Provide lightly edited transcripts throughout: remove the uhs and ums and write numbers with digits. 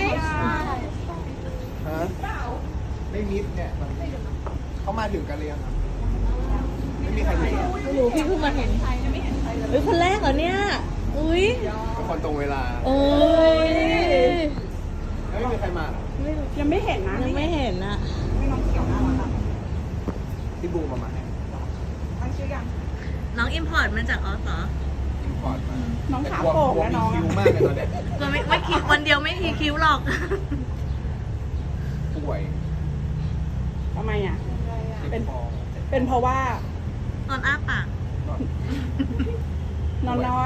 ฮะไม่มิดเนี่ยเขามาถึงกันเลยงครับไม่มีใครถึงไม่รู้พี่เพิ่งมาเห็นเฮ้ยคนแรกเหรอเนี่ยอุ้ยเป็นคนตรงเวลาโอ้ยแล้วไม่มีใครมาเหรอยังไม่เห็นนะยังไม่เห็นอะไม่น้องเขียวน่ารักอะที่บูมมาให้ตั้งชื่อยังน้องอิมพอร์ตมาจากออสเหรออินพอร์ตมาน้องขาโป่งนะน้องคิวมากเลยตอนเนี้ยก็ไม่คิดวันเดียวไม่ทีคิ้วหรอกป่วยทำไมอ่ะเจ็บคอเป็นเพราะว่าตอนอ้าปากนอนน้อย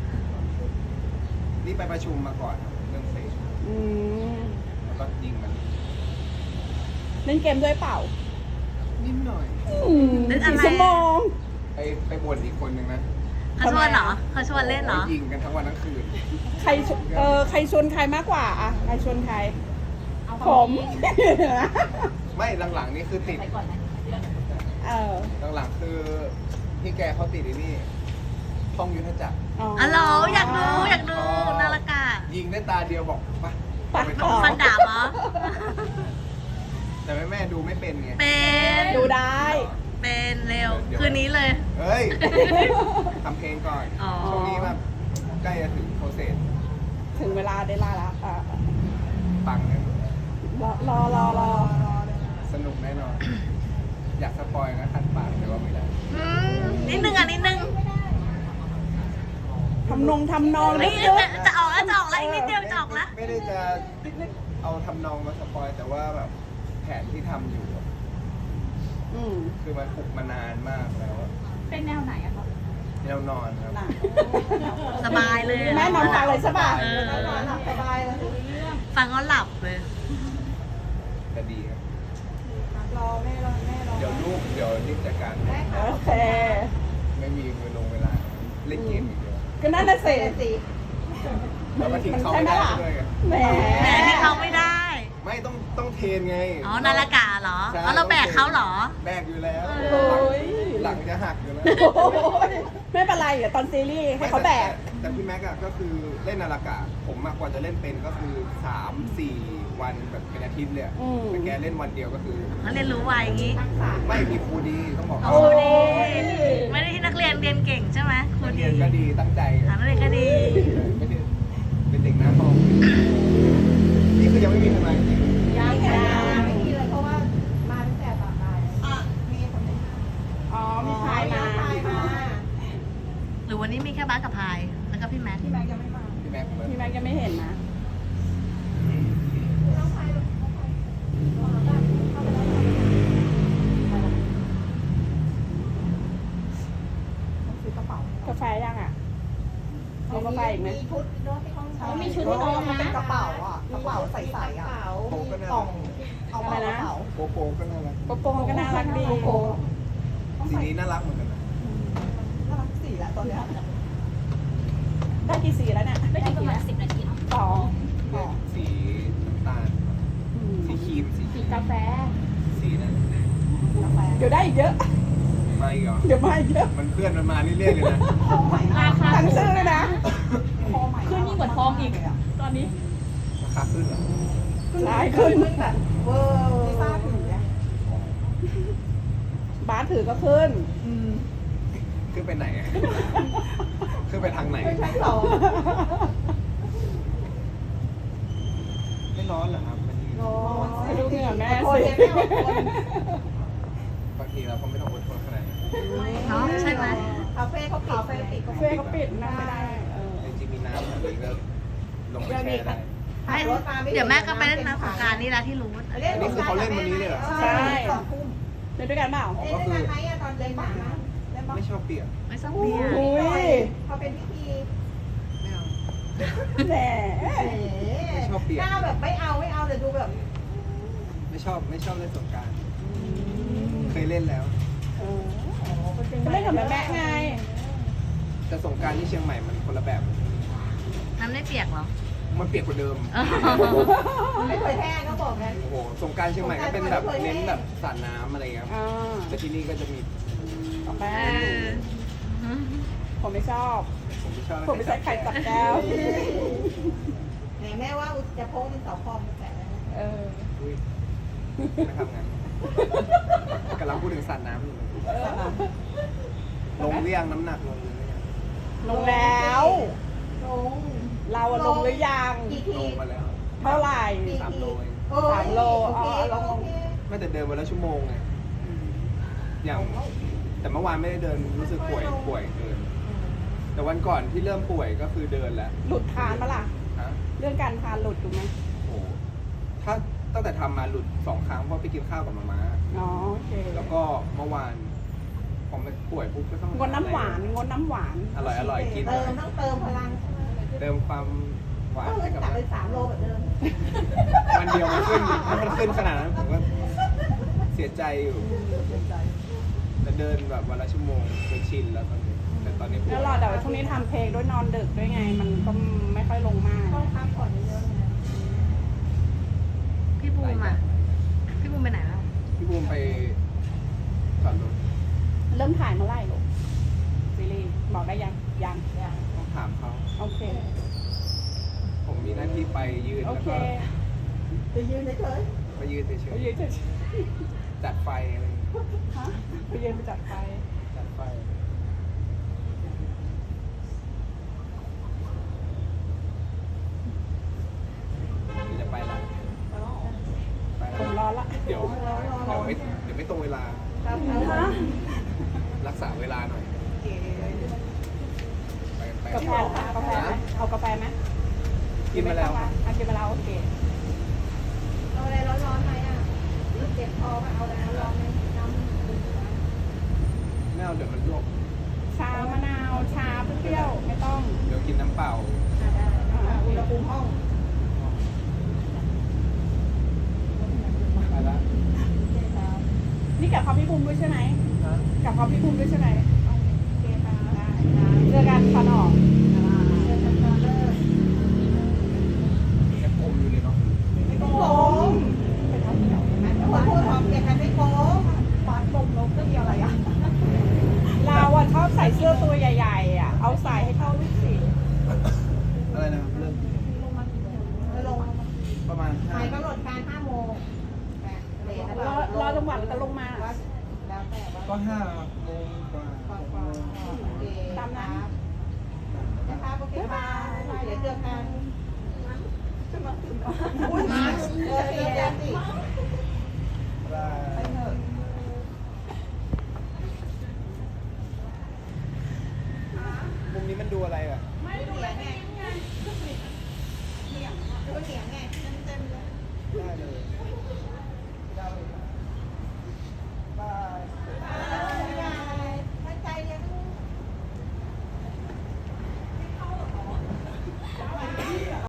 นี่ไปประชุมมาก่อนครับเรื่องเซฟอืมแล้วก็ยิงมันเล่นเกมด้วยเปล่านิดหน่อย 4 ชั่วโมงไปบ่นอีกคนนึงนะเขาชวนเหรอเขาชวนเล่นเหรอยิงกันทั้งวันทั้งคืนใครใครชวนใครมากกว่าอ่ะใครชวนใครผมไม่หลังๆนี่คือติดเออหลังๆคือพี่แกเขาติดไอ้นี่ท่องยุทธจักรอ๋ออ๋อเหรออยากดูนาฬิกายิงได้ตาเดียวบอกไปไปไปต่ต่ออฟันดาบเหรอแต่แม่ดูไม่เป็นไงเป็นดูได้เป็นเร็ว คืนนี้เลยเฮ้ยทำเพลงก่อนอ๋อช่วงนี้แบบใกล้จะถึงโปรเซสถึงเวลาได้ลาละอ่ะปังแน่นอนรอสนุกแน่นอน อยากสปอยนะคันปากแต่ว่าไม่ได้อืมนิดนึงอ่ะนิดนึงทำนองเฮ้ยเยอะจะออกแล้วอีกนิดเดียวจะออกแล้วไม่ได้จะเอาทำนองมาสปอยแต่ว่าแบบแผนที่ทำอยู่อะอืมคือมันปลุกมานานมากแล้วอะเป็นแนวไหนอะคะแนวนอนครับสบายเลยแม่นอนฟังเลยใช่ป่ะเออหลับสบายเลยฟังก็หลับเลยจะดีครับรอแม่รอเดี๋ยวลูกเดี๋ยวรีบจัดการให้โอเคไม่มีเวลาเล่นเกมอีกเดียวก็นั่นน่ะสิแล้วก็ทิ้งเขาไม่ได้ด้วยไงแหมแหมที่เขาไม่ได้ไม่ต้องเทรนไงอ๋อนาฬิกาเหรอใช่แล้วเราแบกเขาเหรอแบกอยู่แล้วโอ้ยหลังจะหักอยู่แล้วโอ้ยไม่เป็นไรเดี๋ยวตอนซีรีส์ให้เขาแบกแต่พี่แม็กอะก็คือเล่นนาฬกาผมมากกว่าจะเล่นเป็นก็คือ3-4 วันแบบเป็นอาทิตย์เลยอะอืมแต่แกเล่นวันเดียวก็คือเขาเรียนรู้ไวอย่างนี้ไม่มีครูดีต้องบอกโอ้ดีไม่ได้ที่นักเรียนเรียนเก่งใช่ไหมครูนักดีเรียนก็ดีตั้งใจถามนักเรียนก็ดีไม่ได้เป็นเด็กหน้าห้องนี่คือยังไม่มีทนายจริงยังไม่มีเลยเพราะว่ามาตั้งแต่ตอนบ่ายมีคนนึงอ๋อ มีพายมาหรือวันนี้มีแค่บ้านกับพาย แล้วก็พี่แม็กซ์พี่แม็กยังไม่มาพี่แม็กเหมือนพี่แม็กยังไม่เห็นนะซื้อกระเป๋ากาแฟยังอ่ะ เอากาแฟอีกไหมมีชุดด้วยที่ห้องเช่ามีมีชุชุดดให้ที่น้น้ออง งนะเป็นกระเป๋าอ่ะกระเป๋าใสๆอ่ะโปก็น่ากล่รัอก งเอากระเป๋าโปก็น่ารักโปโปก็น่ารักดีสีนี้น่ารักเหมือนกันนะน่ารักสีแล้วตอนเนี้ยได้กี่สีแล้วเนี่ยได้ประมาณ10 นาทีเนาะสองเลือกสีน้ำตาลสีครีมสีสีกาแฟสีนั้นกาแฟเดี๋ยวได้อีกเยอะมาอีกเหรอเดี๋ยวมาอีกเยอะมันเพื่อนมันมาเรื่อยๆเลยนะราคาตั้งชื่อเลยนะขึ้นยิ่งกว่าทองอีกตอนนี้ราคาขึ้นเหรอได้ขึ้นแบบเวอร์ไม่ทราบถึงเนี่ยบาสถือก็ขึ้นขึ้นไปไหนอะขึ้นไปทางไหนไม่ใช่สองไม่ร้อนเหรอครับบางทีให้ดูเหงื่อแม่คนสิเดียวไม่เอาคนบางทีเราก็ไม่ต้องอดทนขนาดนั้นเนาะใช่ไหมคาเฟ่เขาปิดไปกาแฟก็ปิดนั่งไม่ได้เออจริงๆมีน้ำแบบนี้ก็ลงไปแช่ได้ไม่เดี๋ยวแม่ก็ไปเล่นน้ำสงกรารนี่แหละที่รู้อันนี้คือเขาเล่นวันนี้เลยเหรอใช่ 2 ทุ่มเล่นด้วยกันเปล่าอ๋อเล่นก็ได้คือไหมอะตอนเล่นหมาเล่นบ้างไม่ชอบเปียกไม่ต้องเบียร์อุ้ยเขาเป็นพิธีไม่เอาแหมไม่ชอบเปียกหน้าแบบไม่เอาแต่ดูแบบไม่ชอบเล่นสงกรารเคยเล่นแล้วเออก็เล่นกับแม่ไงแต่สงกรารที่เชียงใหม่มันคนละแบบน้ำไม่เปียกเหรอมันเปียกกว่าเดิมไม่เคยแห้งก็บอกงั้นโอ้โหสงกรารเชียงใหม่ก็เป็นแบบเน้นแบบสาดน้ำอะไรเงี้ยครับอ่าแต่ที่นี่ก็จะมีกาแฟเออผมไม่ชอบผมไม่ชอบผมไม่ใช่ไข่ตับแก้วไหนแม่ว่าจะโพกเป็นเสาคอมแปะแล้วเอออุ้ยไม่ทำงั้นกำลังพูดถึงสัตว์น้ำอยู่เลยเออลงเรียงน้ำหนักลงเลยลงแล้วลงเราอะลงหรือยังกี่ลทีงมาแล้วเท่าไหร่ 3 โลเองโอ้ย 3 โลโอเคอ๋อลงโอเคไม่แต่เดินวันละชั่วโมงไงอย่างแต่เมื่อวานไม่ได้เดินรู้สึกป่วยเกินแต่วันก่อนที่เริ่มป่วยก็คือเดินแล้วหลุดทานปะล่ะฮะเรื่องการทานหลุดถูกไหมโอ้โหถ้าตั้งแต่ทำมาหลุด2 ครั้งเพราะไปกินข้าวกับมาม่าอ๋อโอเคแล้วก็เมื่อวานพอมันป่วยปุ๊บก็ต้องงดน้ำหวานงดน้ำหวานอร่อยกินเติมต้องเติมพลังใช่ไหมเติมความหวานก็เลให้ยกับกลับไป3 โลแบบเดิมวันเดียวมันขึ้นถ้ามันขึ้นขนาดนั้นผมก็เสียใจอยู่แต่เดินแบบวันละชั่วโมงจนชินแล้วตอนนี้แต่ตอนนี้ป่วยแล้วรอแต่ว่าช่วงนี้ทำเพลงด้วยนอนดึกด้วยไง มันก็ไม่ค่อยลงมากต้องพักผ่อนเยอะๆนะพี่บูมอ่ะ พี่บูมไปไหนแล้วพี่บูมไปจอดรถเริ่มถ่ายเมื่อไหร่ลูกซีรีส์บอกได้ยังยังต้องถามเขาโอเคผมมีหน้าที่ไปยืนโอแล้วเคก็จะยืนเฉยไปยืนเฉไปยยืนจะๆจัดไฟอะไรอย่างเงี้ยฮะไปยืนไปจัดไฟจัดไฟจะไปแล้วไปผมแล้วร้อนละเดี๋ยวไม่ตรงเวลาๆครับฮะรักษาเวลาหน่อย ไปกาแฟค่ะกาแฟไหมเอากาแฟไหมกินมาแล้วอ่ะกินมาแล้วโอเคเอาอะไรร้อนๆไหมอ่ะเจ็บคอมาเอาอะไรร้อนๆไหมน้ำดื่มนะไม่เอาเดี๋ยวมันลวกชามะนาวชาเปรี้ยวไม่ต้องเดี๋ยวกินน้ำเปล่าได้อุณหภูมิห้องไปละนี่กับพอพี่บุ้มด้วยใช่ไหมฮะกับพอพี่บุ้มด้วยใช่ไหมโอเคค่ะได้เจอกันฟันออกเชิญท่านมาเลิกยังอมอยู่เลยเนาะไม่โกงเป็นข้าวเหนียวคนพูดหอมเกียรติไม่โกงฟาดตรงลบก็เดียวอะไรอ่ะเราอะชอบใส่เสื้อตัวใหญ่ๆอ่ะ เอาใส่ให้เข้าด้วยสิอะไรนะครับเริ่มลงประมาณหมายกำหนดการ5 โมงเลทนะรอจังหวัดจะลงมาแล้วแต่ว่าก็5 โมงกว่าโอเคนะคะโอเคค่ะเดี๋ยวเจอกันอุ้ยเจอกันสิ ไปเถอะมุมนี้มันดูอะไรอ่ะไม่ดูแลไงดูเหนียงไงเต็มเลยได้เลย